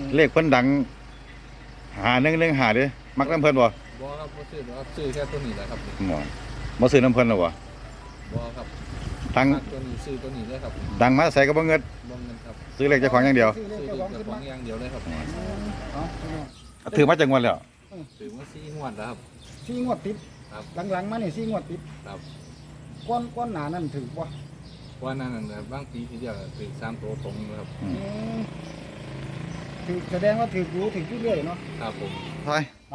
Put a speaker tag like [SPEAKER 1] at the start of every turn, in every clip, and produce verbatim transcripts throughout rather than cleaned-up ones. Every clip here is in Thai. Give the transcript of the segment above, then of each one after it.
[SPEAKER 1] เลขเพิ่นดังหาหนึ่งหนึ่งหาเด้มักน้ำเพิ่นบ่
[SPEAKER 2] บ่ครับบ่ซื้อครับซื้อแค่ตัวนี้แหละครับ
[SPEAKER 1] หมอบ่ซื้อน้ำเพิ่นหรอบ่
[SPEAKER 2] บ่ครับ
[SPEAKER 1] ดัง
[SPEAKER 2] ตัวนี้ซื้อตัวนี้เลยครับ
[SPEAKER 1] ดังมาใส่ก็บ่เงิน
[SPEAKER 2] บ่เงินครับ
[SPEAKER 1] ซื้อเลขเจ้าของอย่างเดียว
[SPEAKER 2] ซื้อเลขเจ้าของอย่างเดียวเลยครับ
[SPEAKER 1] ถือมาจังหวัดแล้ว
[SPEAKER 2] ถือว่าสี่งวดแล้วครับ
[SPEAKER 3] สี่งวดติด
[SPEAKER 2] ครับ
[SPEAKER 3] หลังๆมานี่สี่งวดติด
[SPEAKER 2] ครับ
[SPEAKER 3] ก้อนก้อนหนานั่นถือบ่
[SPEAKER 2] ว่านั่นน่ะบางปีที่เดียวถือสามตัวตรงครับ
[SPEAKER 3] ถือแสดงว่าถือรู้ถือเรื่อยเนาะ
[SPEAKER 2] ครับผม
[SPEAKER 1] ไปไป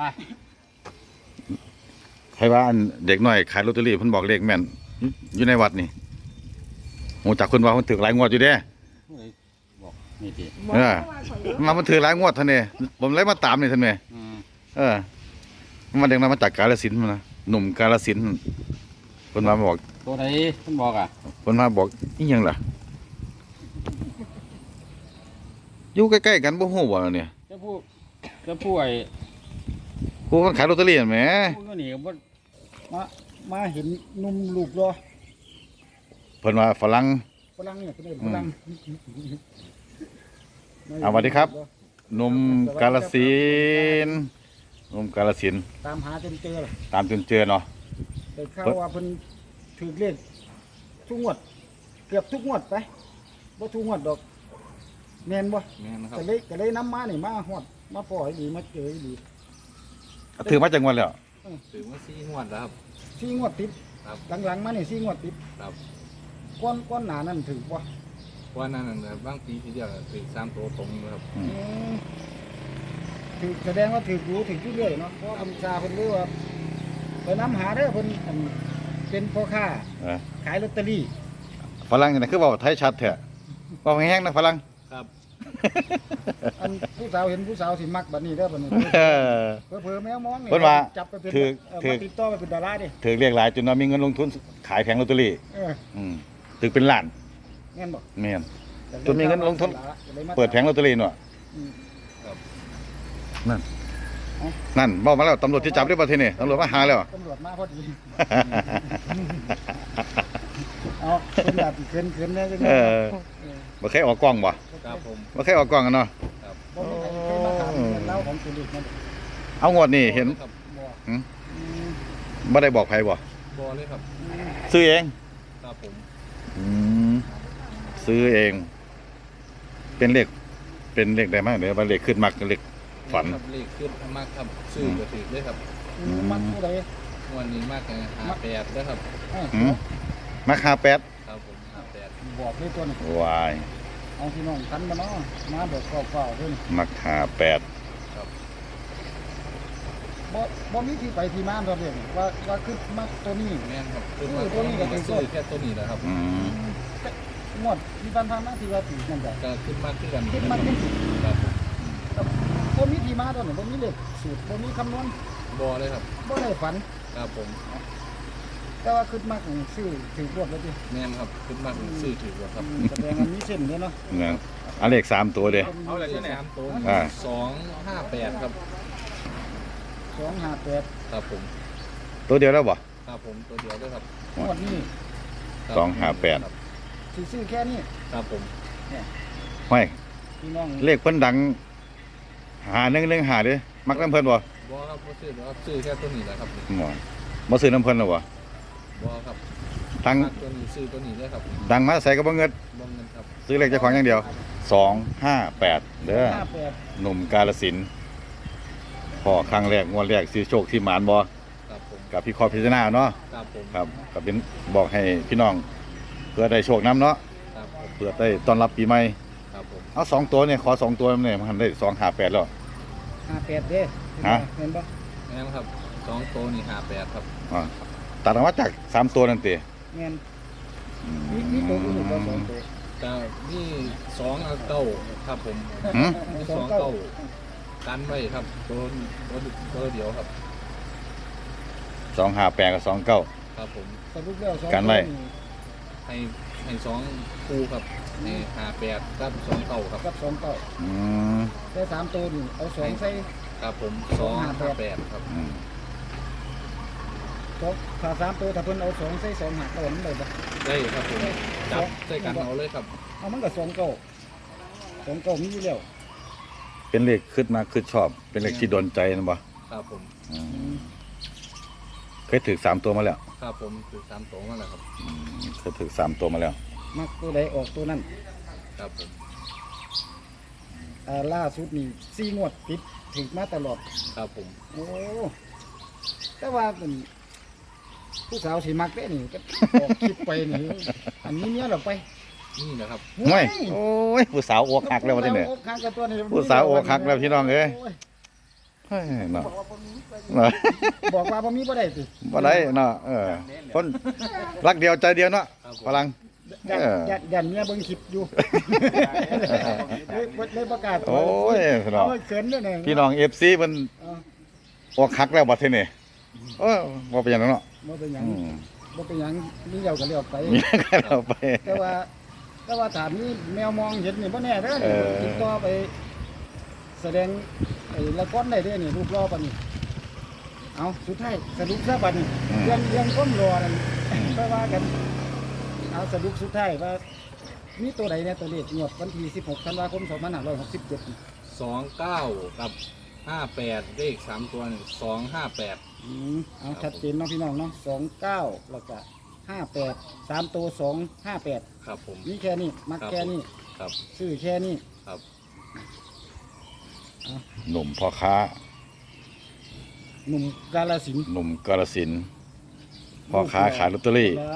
[SPEAKER 1] ใครว่าอันเด็กน้อยขายลอตเตอรี่เพิ่นบอกเลขแม่นอยู่ในวัดนี่โหจักคนว่าเพิ่นถือหลายงวดอยู่เด้
[SPEAKER 4] บอกนี่ติ
[SPEAKER 1] เออมามันถือหลายงวดท่านนี่ผมเลยมาตามนี่ท่านแม่เออมันเด็กน้อยมาจากกาฬสินธุ์นะหนุ่มกาฬสินธุ์เพิ่นมาบอก
[SPEAKER 4] ตัวไหนเพิ่นบอกอ่ะ
[SPEAKER 1] เพิ่นมาบอกอีหยังล่ะอยู่ใกล้ๆกันบ่ฮู้บ่เนี่ย
[SPEAKER 4] จะพูดจะพูดไอ้
[SPEAKER 1] ผู้คนขายลอตเตอรี่แหม
[SPEAKER 4] ผู้ก็หนีก็บ่
[SPEAKER 3] มามาเห็นหนุ่มลูกรอ
[SPEAKER 1] เพิ่นว่าฝรั่ง
[SPEAKER 3] ฝรั่งเนี่ยเพิ่นฝรั่ง
[SPEAKER 1] อ่าสวัสดีครับหนุ่มกาฬสินธุ์หนุ่มกาฬสินธุ์
[SPEAKER 3] ตามหาจนเจอล่ะ
[SPEAKER 1] ตามจนเจอเนาะ
[SPEAKER 3] ได้ข่าวว่าเพิ่นถือเลขทุกงวดเกือบทุกงวดไปบ่ทุกงวดดอกแม่นบ่
[SPEAKER 2] แม่นครับ
[SPEAKER 3] ก็เลยก็เลยนำมานี่มาฮอดมาปล่อยดีมาเจอดี
[SPEAKER 1] ถือมาจังหวัดแล้ว
[SPEAKER 2] ถือว่าสี่งวดแล้วครับ
[SPEAKER 3] สี่งวดติดหลังๆมานี่สี่งวดติด
[SPEAKER 2] ครับ
[SPEAKER 3] ก้อนก้อนหนานั่นถือบ่
[SPEAKER 2] ว่านั่นน่ะบางปีที่เดียวถือสามตัวตรงครับ
[SPEAKER 3] ถือแสดงว่าถือรู้ถือเรื่อยเนาะเพราะคำชาเพิ่นรู้ว่าไปนำหาเด้อเพิ่นเป็นพ่อค้าขายลอตเตอรี่
[SPEAKER 1] ฝรั่งนี่คือเว้าไทยชัดแท้เว้าแห้งๆนะฝรั่ง
[SPEAKER 2] ครับ
[SPEAKER 3] อันผู้สาวเห็นผู้สาวสิมักบัดนี้เด้อบัดนี้เผลอๆแมวมองนี่
[SPEAKER 1] เพิ่นว่า
[SPEAKER 3] จับไปเป็น
[SPEAKER 1] ถือถือ
[SPEAKER 3] ติดต่อไปเป็นดาราดิ
[SPEAKER 1] ถือเรียกหลายจนว่ามีเงินลงทุนขายแผงลอตเตอรี่
[SPEAKER 3] เออ
[SPEAKER 1] อืมถือเป็นล้าน
[SPEAKER 3] แม่นบ่
[SPEAKER 1] แม่นจนมีเงินลงทุนเปิดแผงลอตเตอรี่เนาะนั่นนั่นบอกมาแล้วตำรวจที่จับได้ประเทศนี่ตำรวจมาหาแล้ว
[SPEAKER 3] ตำรวจมาพอดีเอาเป็นแบบเขินๆเนี่ยจังได๋
[SPEAKER 1] เออบ่เคยออกกล้องบ่
[SPEAKER 2] ครับผม
[SPEAKER 1] บ่เคยออกกล้องกันเนาะ
[SPEAKER 2] ครับ
[SPEAKER 3] บ่เคยมาถามเล่าของตัวเลขนั่น
[SPEAKER 1] เอางวดนี่เห็นหืมบ่ได้บอกใครบ่
[SPEAKER 2] บ่เลยครับ
[SPEAKER 1] ซื้อเอง
[SPEAKER 2] ครับผม
[SPEAKER 1] อืมซื้อเองเป็นเลขเป็นเลขได้มั้ยเดี๋ยวว่าเลขขึ้นมักเลขฝัน
[SPEAKER 2] เลขขึ้นมากครับซื้อก็ถือเลยครับ
[SPEAKER 3] มักเท่าใด
[SPEAKER 2] วันนี้มากเลยห้าแปดด้วยครับ
[SPEAKER 1] หืมมักห้าแปด
[SPEAKER 2] ครับผมห้าแปด
[SPEAKER 3] บอกเลยตัวนี้
[SPEAKER 1] วาย
[SPEAKER 3] เอาพี่น้องกันบ่เนาะมาแบบเก่าๆเพิ่น
[SPEAKER 1] มักห้าแปด
[SPEAKER 2] ครับ
[SPEAKER 3] บ่บ่มีที่ไปที่มาตัวเองว่าว่าคือมักตัวนี้
[SPEAKER 2] แม่นครับคือตัวนี้ก็ซื้อแค่ตัวนี้แหละครับ
[SPEAKER 1] อืม
[SPEAKER 3] งวดมีปัญหามาที่ว่าถือนั่นแหละ
[SPEAKER 2] ก็ขึ้นมากขึ้นกัน
[SPEAKER 3] ขึ้นมากขึ้น
[SPEAKER 2] ครับ
[SPEAKER 3] บ่มีที่มาตัวนี้บ่มีเลขสูตรบ่มีคำนวณ
[SPEAKER 2] บ่เลยครับ
[SPEAKER 3] บ่ได้ฝัน
[SPEAKER 2] ครับผม
[SPEAKER 3] แต่ว่าขึ้นมากซื้อถือรวดแล้วดิ
[SPEAKER 2] แม่นครับขึ้นมากซื้อถือรวดครับ
[SPEAKER 3] แสดงว่ามีเส้นเด้เนาะ
[SPEAKER 1] นั่นอันเลขสามตัวเด้
[SPEAKER 2] เอาเลขสามตัวสองห้าแปดครับ
[SPEAKER 3] สองห้าแปด
[SPEAKER 2] ครับผม
[SPEAKER 1] ตัวเดียวแล้วบ่
[SPEAKER 2] ครับผมตัวเดียวด้วยครับ
[SPEAKER 3] งวดนี้
[SPEAKER 1] สองห้าแปด
[SPEAKER 3] สิซื้อแค่นี้
[SPEAKER 2] ครับผม
[SPEAKER 3] เนี่ย
[SPEAKER 1] ห้อย
[SPEAKER 3] พี่น้อง
[SPEAKER 1] เลขเพิ่นดังหาหนึ่งหนึ่งหาเด้มักน้ำเพิ่นบ่
[SPEAKER 2] บ่ครับบ่ซื้อครับซื้อแค่ตัวนี้แหละครับ
[SPEAKER 1] หมอบ่ซื้อน้ำเพิ่นหรอบ่
[SPEAKER 2] บ่ครับ
[SPEAKER 1] ดัง
[SPEAKER 2] ตัวนี้ซื้อตัวนี้เลยครับ
[SPEAKER 1] ดังมาใส่ก็บ่เงิน
[SPEAKER 2] บ่เงินครับ
[SPEAKER 1] ซื้อเลขเจ้าของอย่างเดียวสองห้าแปดเด้อหนุ่มกาฬสินธุ์พอครั้งแรกงวดแรกซื้อโชคที่หมานบ่
[SPEAKER 2] ครับผม
[SPEAKER 1] กับพี่คอพิจารณาเนาะ
[SPEAKER 2] ครับผม
[SPEAKER 1] ครับก็เป็นบอกให้พี่น้องเพื่อได้โชคนำเนาะ
[SPEAKER 2] ครับ
[SPEAKER 1] เพื่อได้ต้อนรับปีใหม่
[SPEAKER 2] ครับผม
[SPEAKER 1] เอาสองตัวเนี่ยขอสองตัวเนี่ยมันได้สองห้าแปดแล้ว
[SPEAKER 3] ห้าแปดเด้
[SPEAKER 1] ฮะ
[SPEAKER 3] เห็นบ่
[SPEAKER 2] แม่นครับสองตัวนี่ห้าแปดครับ
[SPEAKER 1] อ่าตัดออกมาจากสามตัวนั่นติ
[SPEAKER 3] แม่นมีมีตัวอื่นบ่สองตัว
[SPEAKER 2] ก็นี่สองเก้าครับผมมีสองเก้ากันไว้ครับตัวตัวตัวเดียวครับ
[SPEAKER 1] สองห้าแปดกับสองเก้า
[SPEAKER 2] ครับผม
[SPEAKER 3] สรุปแล้วสอง
[SPEAKER 1] กันไว้
[SPEAKER 2] ให้ให้สองคู่ครับให้ห้าแปดกับสองเก้าครับ
[SPEAKER 3] กับสองเก้า
[SPEAKER 1] อืม
[SPEAKER 3] ได้สามตัวนี่เอาสองใส่
[SPEAKER 2] ครับผมสองห้าแปดครับ
[SPEAKER 3] ถ้าสามตัวถ้าเพิ่นเอาสองใส่สองหักก็มันได้บ่
[SPEAKER 2] ได้ครับผมจับใส่กันเอาเลยครับ
[SPEAKER 3] เอามันก็สองเก้าสองเก้ามีอยู่แล้ว
[SPEAKER 1] เป็นเลขขึ้นมาขึ้นชอบ เป็นเลขที่โดนใจนะบ่
[SPEAKER 2] ครับผม
[SPEAKER 1] อืมเคยถือสามตัวมาแล้ว
[SPEAKER 2] ครับผมคือสามสองนั่นแหละครับ
[SPEAKER 1] เคยถือสามตัวมาแล้ว
[SPEAKER 3] มักตัวใดออกตัวนั้น
[SPEAKER 2] ครับผม
[SPEAKER 3] อ่าล่าสุดนี่สี่งวดติดถึงมาตลอด
[SPEAKER 2] ครับผม
[SPEAKER 3] โอ้แต่ว่าเป็นผู้สาวสีมักได้นี่ก็ออกคลิปไปนี่อันนี้เนี้ยเราไป
[SPEAKER 2] นี่นะครับ
[SPEAKER 1] ไม่โอ้ยผู้สาวอกหักแล้ววะที่เนี่ย
[SPEAKER 3] ผู้สาวอกหักกับตัวนี้
[SPEAKER 1] ผู้สาวอกหักแล้วพี่น้องเอ้ย
[SPEAKER 3] โ
[SPEAKER 1] เฮ้ยเนาะ
[SPEAKER 3] บอกว่าบ่มีบ่ได้สิ
[SPEAKER 1] บ่ได้เนาะเออคนรักเดียวใจเดียวเนาะ
[SPEAKER 2] ครับผม
[SPEAKER 1] พลัง
[SPEAKER 3] ยัน
[SPEAKER 1] เออ
[SPEAKER 3] ยันยันเมียเบิ่งคลิปอยู่เลยบ่เลยประกาศตัว
[SPEAKER 1] โอ้ยพี่น้อง
[SPEAKER 3] โอ้ยเขินด้วยเนี่ย
[SPEAKER 1] พี่น้อง เอฟ ซี มัน
[SPEAKER 3] เออ
[SPEAKER 1] อกหักแล้วบัดทีนี้เออบ่เป็นหยังเนาะ
[SPEAKER 3] บ่เป็นหยัง
[SPEAKER 1] อืม
[SPEAKER 3] บ่เป็นหยังมีเดียวก็เลี้ยวไป
[SPEAKER 1] มีกันเอาไป
[SPEAKER 3] แต่ว่าแต่ว่าถามนี่แมวมองเห็นนี่บ่แน่เด้อ
[SPEAKER 1] เอ
[SPEAKER 3] นี่
[SPEAKER 1] อ
[SPEAKER 3] ติดต่อไป แสดงไอ้ละครได้เด้อนี่รูปรอปานนี้เอาสุดท้ายสรุปซะบัดนี้เรื่องเรื่องก้มรอนั่นก็ว่ากัน เอาสรุปสุดท้ายว่ามีตัวใดเนี่ยตัวเลขงวดวันที่สิบหกธันวาคมสองพันห้าร้อยหกสิบเจ็ดนี่
[SPEAKER 2] สองเก้ากับห้าแปดเลขสามตัวสองห้าแปด
[SPEAKER 3] อืมเอาชัดเจนเนาะพี่น้องเนาะสองเก้าแล้วก็ห้าแปดสามตัวสองห้าแปด
[SPEAKER 2] ครับผม
[SPEAKER 3] นี่แค่นี้มักแค่นี้
[SPEAKER 2] ครับ
[SPEAKER 3] ซื้อแค่นี้
[SPEAKER 2] ครับ
[SPEAKER 1] หนุ่มพ่อค้า
[SPEAKER 3] หนุ่มกาลสินธุ์
[SPEAKER 1] หนุ่มกาฬสินธุ์พ่อค้าขายลอตเตอรี่
[SPEAKER 3] แล้ว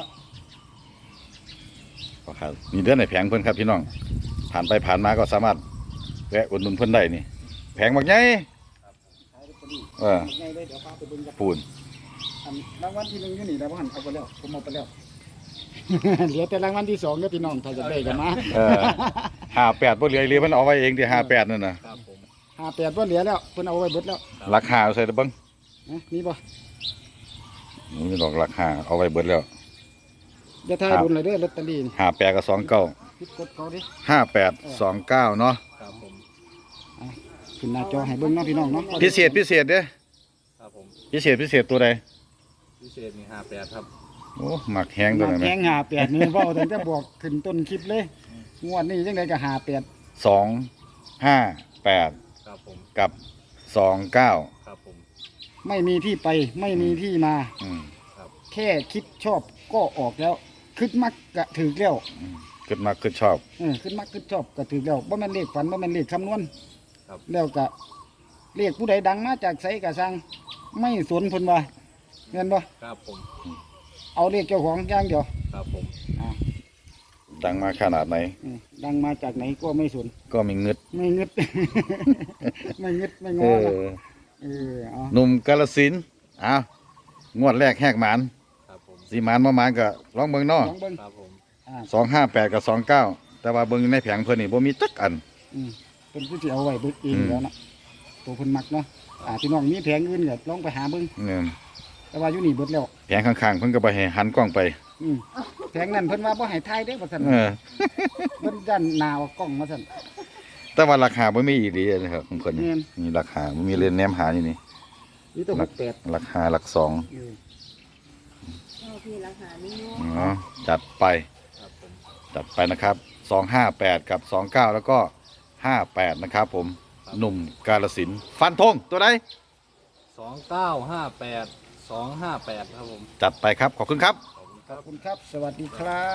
[SPEAKER 1] พ่อค้ามีเดือนในแผงเพิ่นครับพี่น้อง ผ่านไปผ่านมาก็สามารถแวะอุดหนุนเพิ่นได้นี่แผงบักใหญ่
[SPEAKER 3] ขายลอตเตอรี่
[SPEAKER 1] เออ
[SPEAKER 3] ไงเลยเดี๋ยวพาไปเบิ่งกัน
[SPEAKER 1] ปูน
[SPEAKER 3] อันรางวัลที่หนึ่งอยู่นี่แล้วพ่อหันเอาไปแล้วผมเอาไปแล้ว เหลือแต่รางวัลที่สองเด้อพี่น้องถ้าจะได้กันมา
[SPEAKER 1] เออห้าแปดบ่เหลืออีหลีเพิ่นเอาไว้เองที่ห้าแปดนั่นน่ะ
[SPEAKER 2] ครับผม
[SPEAKER 3] ห้าแปดว่าเหลือแล้วเพิ่นเอาไว้เบิดแล้ว
[SPEAKER 1] ราคาเอาใส่เด้อเบิ่ง
[SPEAKER 3] นะมีบ่
[SPEAKER 1] นี่ดอกราคาเอาไว้เบิดแล้ว
[SPEAKER 3] อย่าทายบุญเลยเด้อลอตเตอรี่นี่
[SPEAKER 1] ห้าแปดกับสองเก้า
[SPEAKER 3] พิดกดเขาดิ
[SPEAKER 1] ห้าแปดสองเก้าเนาะ
[SPEAKER 2] ครับผม
[SPEAKER 3] ขึ้นหน้าจอให้เบิ่งเนาะพี่น้องเนาะ
[SPEAKER 1] พิเศษพิเศษเด้อ
[SPEAKER 2] ครับผม
[SPEAKER 1] พิเศษพิเศษตัวใด
[SPEAKER 2] พิเศษนี่ห้าแปดครับ
[SPEAKER 1] โอ้หมักแห้งตัว
[SPEAKER 3] มา
[SPEAKER 1] นั้น
[SPEAKER 3] แพ
[SPEAKER 1] แม่
[SPEAKER 3] งหาแปดนี่เว้าตั้งแต่บอกขึ้นต้นคลิปเลยงวดนี้จังไดก็หาแปด
[SPEAKER 1] สองห้าแปด
[SPEAKER 2] ครับผม
[SPEAKER 1] กับสองเก้า
[SPEAKER 2] ครับผม
[SPEAKER 3] ไม่มีที่ไปไม่มีที่มา
[SPEAKER 1] อืม
[SPEAKER 3] แค่คิดชอบก็ออกแล้วคิดมักกะถือแล้ว
[SPEAKER 1] เกิดมาเกิดชอบ
[SPEAKER 3] เออคิดมักคิดชอบก็ถือแล้วบ่แม่นเลขฝันบ่แม่นเลขคำนวณ
[SPEAKER 2] ครับ
[SPEAKER 3] แล้วก็เลขผู้ใดดังมาจากไสก็สั่งไม่สนเพิ่นว่าแม่นบ่
[SPEAKER 2] ครับผม
[SPEAKER 3] เอาเลขเจ้าของอย่างเดียว
[SPEAKER 2] ครับผม
[SPEAKER 3] อ่า
[SPEAKER 1] ดังมาขนาดไหน
[SPEAKER 3] อืมดังมาจากไหนก็ไม่สน
[SPEAKER 1] ก็มีเงึด
[SPEAKER 3] ไม่งึด ไม่งึดไม่ง
[SPEAKER 1] เอ
[SPEAKER 3] อนะ
[SPEAKER 1] อ
[SPEAKER 3] เออเอา
[SPEAKER 1] หนุ่มกาลสินธุ์อ้าวงวดแรกแหกหมาน
[SPEAKER 2] ครับผม
[SPEAKER 1] สีหมานมาหมานก็ลองเบิ่งเนาะ
[SPEAKER 3] ลองเบิ่ง
[SPEAKER 2] ครับผม
[SPEAKER 3] อ่า
[SPEAKER 1] สองห้าแปดกับสองเก้าแต่ว่าเบิ่งในแผงเพิ่นนี่บ่มีจักอัน
[SPEAKER 3] อืมเป็นผู้ที่เอาไว้เบิดเอง
[SPEAKER 1] อืม
[SPEAKER 3] แล้วเนาะตัวเพิ่นมักเนาะอ่าพี่น้องมีแผงอื่นก็ลองไปหาเบิ่ง
[SPEAKER 1] เนี่ย
[SPEAKER 3] แต่ว่าอยู่นี่เบิดแล้ว
[SPEAKER 1] แผงข้างๆเพิ่นก็ไปให้หันกล้องไป
[SPEAKER 3] อืมแผงนั้นเพิ่นว่าบ่ให้ถ่ายเด้อว่าซั่น
[SPEAKER 1] เออ
[SPEAKER 3] เพิ่นยันหน้าว่ากล้องว่าซั่น
[SPEAKER 1] แต่ว่าราคาบ่มีอีหลีนะครับของเพิ่นนี่
[SPEAKER 3] แม่น
[SPEAKER 1] มีราคาบ่มีเรียนแนมหาอยู่นี่
[SPEAKER 3] นี่ตัวหกแปด
[SPEAKER 1] ราคาหลักสอง
[SPEAKER 3] เออ
[SPEAKER 5] เอาพี่ราคาไม่งง
[SPEAKER 1] เนาะจัดไป
[SPEAKER 2] ครับผม
[SPEAKER 1] จัดไปนะครับสองห้าแปดกับสองเก้าแล้วก็ห้าแปดนะครับผมหนุ่มกาลสินธุ์ฟันธงตัวใด
[SPEAKER 2] สองเก้าห้าแปดสองห้าแปดครับผม
[SPEAKER 1] จัดไปครับ ขอบคุณครับ
[SPEAKER 2] ขอบคุณค
[SPEAKER 3] ข
[SPEAKER 2] รั
[SPEAKER 3] อบบ คุณครับ สวัสดีครับ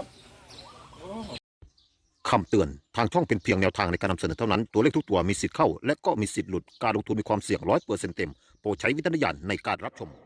[SPEAKER 6] คำเตือน ทางช่องเป็นเพียงแนวทางในการนำเสนอเท่านั้น ตัวเลขทุกตัวมีสิทธิ์เข้า และก็มีสิทธิ์หลุด การลงทุนมีความเสี่ยงร้อยเปอร์เซ็นต์เต็ม โปรดใช้วิจารณญาณในการรับชม